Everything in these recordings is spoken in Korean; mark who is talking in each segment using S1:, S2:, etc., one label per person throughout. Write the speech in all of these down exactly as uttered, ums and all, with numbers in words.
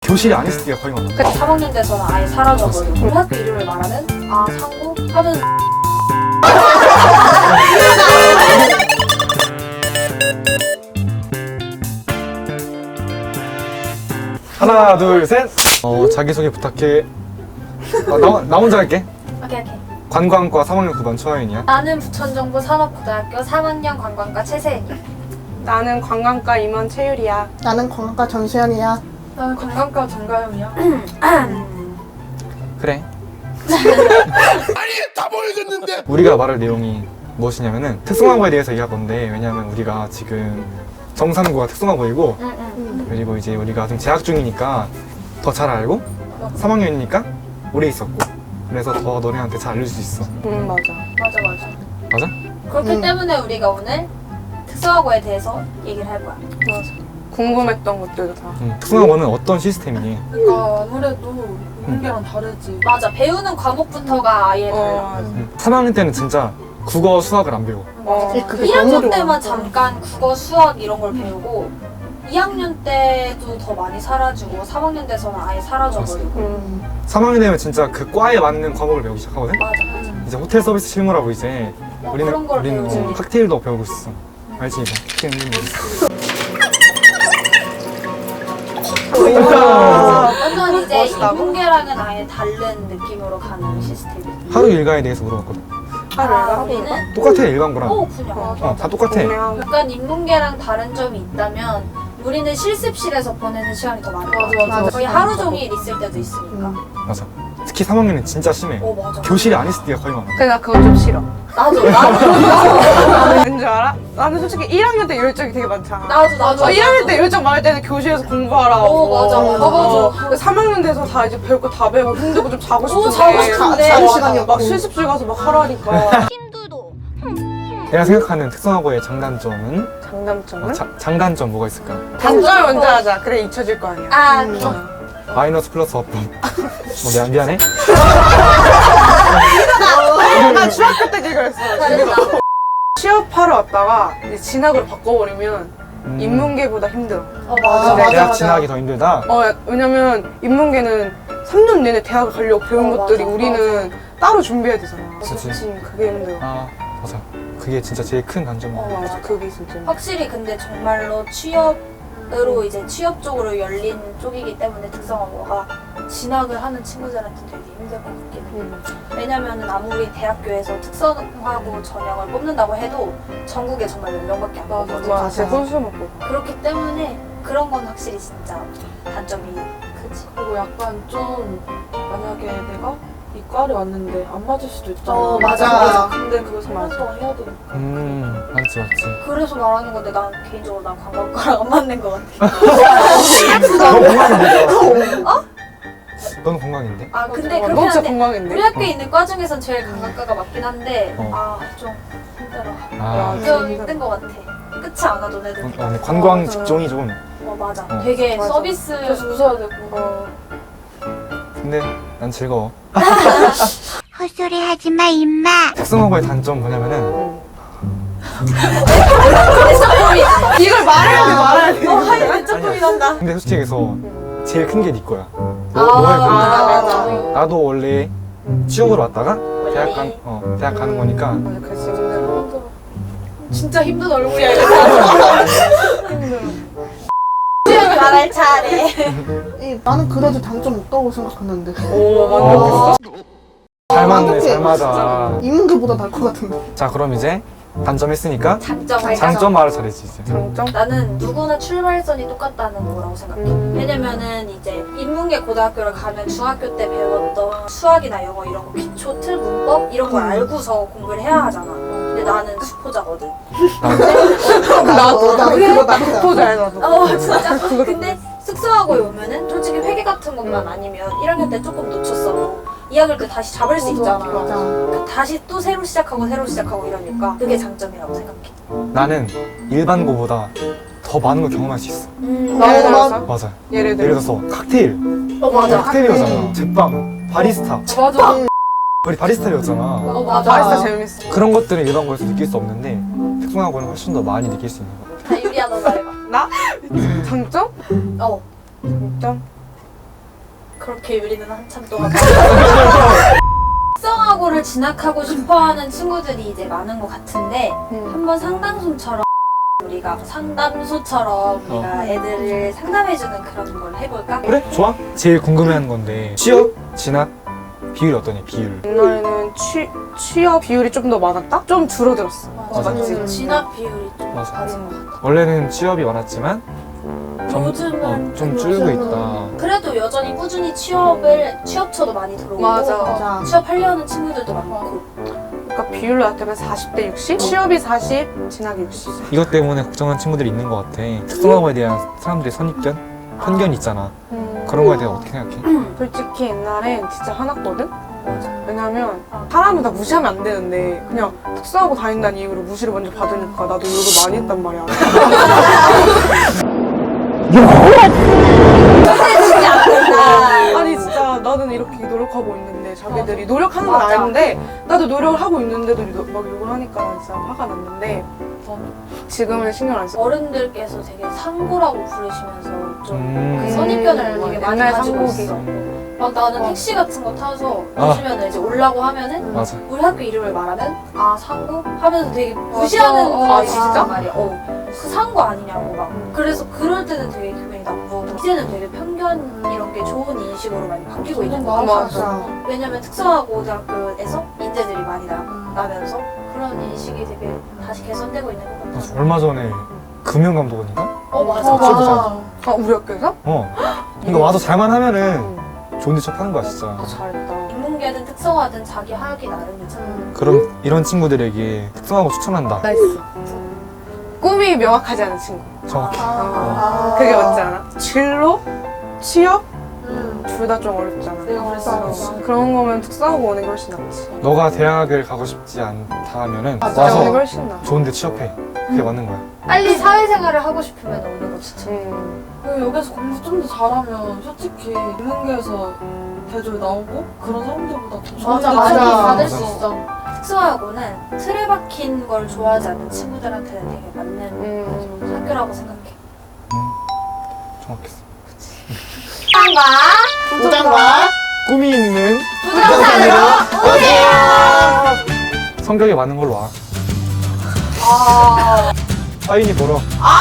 S1: 교실이 안 있을 때가 거의 많아.
S2: 삼 학년 돼서는 아예 사라져버리고 학교 이름을 말하면 아 상고 하면
S1: 하나 둘 셋. 어 자기소개 부탁해. 어, 나, 나 혼자 할게.
S2: 오케이 오케이.
S1: 관광과 삼 학년 구 반 초하연이야.
S2: 나는 부천정부 산업고등학교 삼 학년 관광과 최세은이야.
S3: 나는 관광과 임원 최유리야.
S4: 나는 관광과 전수현이야.
S2: 나는 관광과 정가영이야.
S1: 그래. 아니 다 보여줬는데. 우리가 말할 내용이 무엇이냐면은 특성화고에 대해서 얘기할 건데, 왜냐면 우리가 지금 정삼고가 특성화고이고
S2: 응, 응.
S1: 그리고 이제 우리가 좀 재학 중이니까 더 잘 알고 삼 학년이니까 오래 있었고 그래서 더 너네한테 잘 알려줄 수 있어.
S3: 응 맞아.
S2: 맞아 맞아.
S1: 맞아?
S2: 그렇기
S4: 음.
S2: 때문에 우리가 오늘 특성화고에 대해서 얘기를 할 거야.
S3: 맞아. 궁금했던 것들도 다.
S1: 응. 특성화고는 어떤 시스템이니?
S5: 그러니까 아무래도 인문계랑 다르지.
S2: 맞아. 배우는 과목부터가 아예 달라.
S3: 어.
S1: 응. 삼 학년 때는 진짜 국어, 수학을 안 배워.
S3: 어.
S4: 그게
S2: 일 학년
S4: 너무
S2: 때만
S4: 어려워.
S2: 잠깐 국어, 수학 이런 걸 배우고 이 학년 때도 더 많이 사라지고 삼 학년 돼서는 아예 사라져버리고.
S3: 음.
S1: 삼 학년 되면 진짜 그 과에 맞는 과목을 배우기 시작하거든?
S2: 맞아 맞아.
S1: 이제 호텔 서비스 실무라고 이제
S2: 어,
S1: 우리는
S2: 그런 걸
S1: 우리는
S2: 배우지.
S1: 어, 칵테일도 배우고 있어. 알지 이거? 칵테일 있는 거.
S2: 완전 이제
S3: 멋있다고?
S2: 인문계랑은 아예 다른 느낌으로 가는 시스템이야.
S1: 하루 일과에 대해서 물어봤거든.
S3: 하루
S2: 아,
S3: 일과?
S2: 우리는
S1: 똑같아 일반고랑.
S2: 오 그냥
S1: 어, 다 똑같아.
S3: 그냥
S2: 약간 인문계랑 다른 점이 있다면 우리는 실습실에서 보내는 시간이 더 많은 것 같아.
S5: 맞아, 맞아.
S2: 거의 하루 종일 있을 때도 있으니까.
S1: 맞아. 특히 삼 학년은 진짜 심해.
S2: 오 맞아.
S1: 교실이 안 있을 때가 거의 많아.
S3: 근데 나 그거 좀 싫어.
S2: 나도 나도
S3: 왠줄 알아? 나는 솔직히 일 학년 때 열정이 되게 많잖아.
S2: 나도 나도.
S3: 어, 일 학년 때 열정 많을 때는 교실에서 공부하라고.
S2: 오, 맞아, 맞아.
S3: 어, 맞아. 삼 학년 돼서 다 이제 배울 거 다 배우고 힘들고 좀 자고 싶은데.
S2: 자고 싶은데.
S4: 자는
S2: 맞아.
S4: 시간이 없고.
S3: 막 실습실 가서 막 하라니까.
S1: 내가 생각하는 특성화고의 장단점은
S3: 장단점은?
S1: 어, 자, 장단점 뭐가 있을까?
S3: 단점 먼저 하자. 그래 잊혀질 거 아니야.
S2: 아
S4: 음.
S2: 어.
S1: 마이너스 플러스 합법. 뭐 미안 미안해.
S3: 나 중학교 때 그랬어. 취업하러 왔다가 이제 진학을 바꿔버리면
S1: 음,
S3: 인문계보다 힘들어.
S2: 어 맞아.
S4: 아,
S1: 대학
S4: 맞아, 맞아.
S1: 진학이 더 힘들다.
S3: 어, 야, 왜냐면 인문계는 삼 년 내내 대학을 가려고 배운
S2: 어,
S3: 것들이
S2: 맞아,
S3: 우리는 따로 준비해야 되잖아.
S1: 그치.
S3: 그게 힘들어.
S1: 아 맞아. 그게 진짜 제일 큰 단점이야.
S3: 어, 맞아. 그게 진짜 힘들어.
S2: 확실히 근데 정말로 취업으로 이제 취업 쪽으로 열린 쪽이기 때문에 특성화고가 진학을 하는 친구들한테 되게 힘들 것 같긴 해.
S3: 음.
S2: 왜냐면은 아무리 대학교에서 특성화고 전형을 뽑는다고 해도 전국에 정말 몇 명밖에 안
S3: 맞아,
S2: 뽑거든.
S3: 맞아. 진짜 손수 먹고.
S2: 그렇기 때문에 그런 건 확실히 진짜 단점이 크지.
S5: 그리고 약간 좀 만약에 내가 이과를 왔는데 안 맞을 수도 있잖아.
S2: 어, 맞아,
S4: 맞아.
S5: 근데 그걸 삼 년
S3: 맞아.
S5: 동안 해야 되니까.
S1: 음 맞지 맞지.
S2: 그래서 말하는 건데 난 개인적으로 난 관광과랑 안 맞는 것 같아.
S1: 너 건강인데. 어? 넌 건강인데?
S2: 아 근데
S3: 너
S2: 그렇긴
S3: 진짜
S2: 한데
S3: 건강인데?
S2: 우리 학교에 있는 과 중에선 제일 관광과가 맞긴 한데
S1: 어.
S2: 아 좀 힘들어.
S1: 아,
S3: 야,
S2: 좀
S3: 진짜.
S2: 힘든 것 같아. 끝이 안 와도 애들.
S1: 어, 근데 관광 직종이 좀.
S2: 어 맞아.
S1: 어.
S2: 되게
S3: 맞아.
S2: 서비스.
S5: 계속 웃어야 되고.
S3: 어.
S1: 근데 난 즐거워.
S6: 헛소리 하지 마, 임마.
S1: 특성화고의 단점 뭐냐면은
S3: 이걸 말해야 돼, 말해야 돼.
S2: 어 하이는 조금이 난다.
S1: 근데 솔직히 얘기해서 제일 큰 게 네 거야. 너,
S2: 아,
S1: 너의 고민.
S2: 맞아, 맞아.
S1: 나도 원래 취업으로 왔다가 대학 간, 어, 대학 가는 거니까
S3: 맞아, 그래, 진짜 힘들어.
S2: 진짜 힘든 얼굴이야 이거. 말할 차례.
S4: 이, 나는 그래도 단점 없다고 생각했는데.
S3: 오,
S1: 어, 잘 맞네,
S4: 어떡해.
S1: 잘 맞아.
S4: 인문계보다 나을 것 같은데.
S1: 자, 그럼 이제 단점 했으니까
S2: 장점
S1: 장점 말을 잘했지 이제.
S3: 장점?
S2: 나는 누구나 출발선이 똑같다는 거라고 생각해.
S3: 음.
S2: 왜냐면은 이제 인문계 고등학교를 가면 중학교 때 배웠던 수학이나 영어 이런 거 기초 틀 문법 이런 걸
S4: 음.
S2: 알고서 공부를 해야 하잖아. 근데 나는 수포자거든.
S4: 나도, 나도 그거 나도.
S3: 독보자야, 나도.
S2: 어 진짜. 근데 숙소하고에 오면은 솔직히 회계 같은 것만 아니면 일 학년 때 조금 놓쳤어. 이 학년 때 다시 잡을 수 있잖아.
S4: 맞아.
S2: 그 다시 또 새로 시작하고 새로 시작하고 이러니까 그게 장점이라고 생각해.
S1: 나는 일반고보다 더 많은 걸 경험할 수 있어.
S2: 음.
S3: 예를
S4: 어,
S3: 들어서?
S1: 맞아.
S3: 예를
S1: 예를
S3: 들어서?
S1: 들어서 칵테일.
S2: 어 맞아.
S1: 칵테일이었잖아. 제빵, 바리스타.
S2: 맞아.
S1: 우리 바리스타였잖아.
S2: 어 맞아.
S3: 바리스타 재밌어.
S1: 그런 것들은 일반고에서 느낄 수 없는데 특성화고는 훨씬 더 많이 느낄 수 있는 것 같아.
S2: 자 유리야 너 말해봐.
S3: 나? 장점?
S2: 어.
S3: 장점?
S2: 그렇게 유리는 한참 동안 특성화고를 진학하고 싶어하는 친구들이 이제 많은 것 같은데
S3: 음.
S2: 한번 상담소처럼 우리가 상담소처럼 우리가 애들을 상담해주는 그런 걸 해볼까?
S1: 그래? 좋아? 제일 궁금해하는 건데 취업, 진학 비율이 어떠냐? 비율.
S3: 옛날에는 취, 취업 비율이 좀 더 많았다? 좀 줄어들었어.
S1: 맞아.
S2: 음, 진학 비율이 좀
S1: 맞아.
S2: 낮은 것 같아.
S1: 원래는 취업이 많았지만 점-
S2: 요즘은
S1: 어, 좀
S2: 별로
S1: 줄고
S2: 없어.
S1: 있다.
S2: 그래도 여전히 꾸준히 취업을 취업처도 많이 들어오고
S3: 맞아.
S4: 맞아.
S2: 취업하려는 친구들도 많고
S3: 그러니까 비율로 따지면 사십 대 육십? 취업이 사십, 진학이 육십.
S1: 이것 때문에 걱정하는 친구들이 있는 것 같아. 특성화고에 대한 사람들의 선입견? 편견이 있잖아.
S3: 음,
S1: 그런 거에 대해 어떻게 생각해?
S3: 솔직히 옛날엔 진짜 화났거든?
S2: 맞아.
S3: 왜냐면 사람을 다 무시하면 안 되는데 그냥 특수하고 다닌다는 이유로 무시를 먼저 받으니까 나도 욕을 많이 했단 말이야. 아니 진짜 나는 이렇게 노력하고 있는데 자기들이 노력하는 건
S2: 맞아.
S3: 아는데 나도 노력을 하고 있는데도 막 욕을 하니까 난 진짜 화가 났는데 지금은 신경 안 써.
S2: 어른들께서 되게 상고라고 부르시면서 좀
S1: 음.
S2: 그 선입견을 되게 많이
S3: 옛날
S2: 가지고
S3: 상고기.
S2: 있어. 막 나는 택시 같은 거 타서
S1: 아.
S2: 보시면 이제 올라고 하면은
S1: 맞아.
S2: 우리 학교 이름을 말하면 아 상고 하면서 되게 무시하는
S3: 맞아. 아,
S2: 분이
S3: 진짜?
S2: 있단 말이야. 어. 그 상고 아니냐고 막. 그래서 그럴 때는 되게 기분이 나쁘고 이제는 되게 편견 이런 게 좋은 인식으로 많이 바뀌고 있는 거 같아.
S3: 맞아.
S2: 왜냐면 특성화고등학교에서 인재들이 많이 나, 나면서 그런 인식이 되게 다시 개선되고 있는 것 같아.
S1: 맞아. 얼마 전에 금융감독원인가?
S2: 어 맞아.
S4: 어, 맞아.
S3: 아 우리 학교에서?
S1: 어. 그러니까 와서 잘만 하면은 좋은 데 척하는 거야 진짜.
S3: 아, 잘했다.
S2: 인문계든 특성화든 자기 하기 나름이잖아.
S1: 그럼 이런 친구들에게 특성화고 추천한다.
S3: 나이스. 꿈이 명확하지 않은 친구.
S1: 정확해.
S3: 어, 그게 맞지 않아? 진로? 취업?
S2: 음.
S3: 둘 다 좀 어렵잖아.
S5: 내가 그랬어.
S3: 어, 그런 거면 특수하고 오는 게 훨씬 낫지.
S1: 너가 대학을 가고 싶지 않다 하면은
S3: 맞아.
S1: 와서
S3: 오는 게 훨씬 나.
S1: 좋은 데 취업해. 그게 맞는 거야.
S2: 빨리 사회생활을 하고 싶으면 오는 거 추천.
S3: 음.
S5: 그 여기서 공부 좀 더 잘하면 솔직히 인문계에서 대졸 나오고 그런 사람들보다 더 좋은
S2: 맞아
S5: 데
S2: 맞아
S5: 취업을
S2: 받을
S1: 맞아.
S2: 수 있어. 특성화고는 틀에 박힌 걸 좋아하지 않는 친구들한테는 되게 맞는
S3: 음.
S2: 학교라고 생각해.
S1: 정확했어.
S4: 부장과
S1: 꿈이 있는
S2: 부동산으로 오세요.
S1: 성격에 맞는 걸로 와.
S2: 아.
S1: 사인이 보러.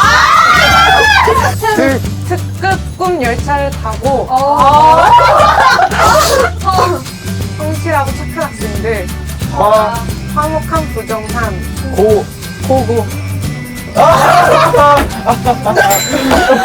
S1: 특
S3: 특급 꿈 열차를 타고
S2: 어.
S3: 성실하고 착한 학생들,
S1: 과
S3: 화목한 부정한
S1: 고
S3: 고고.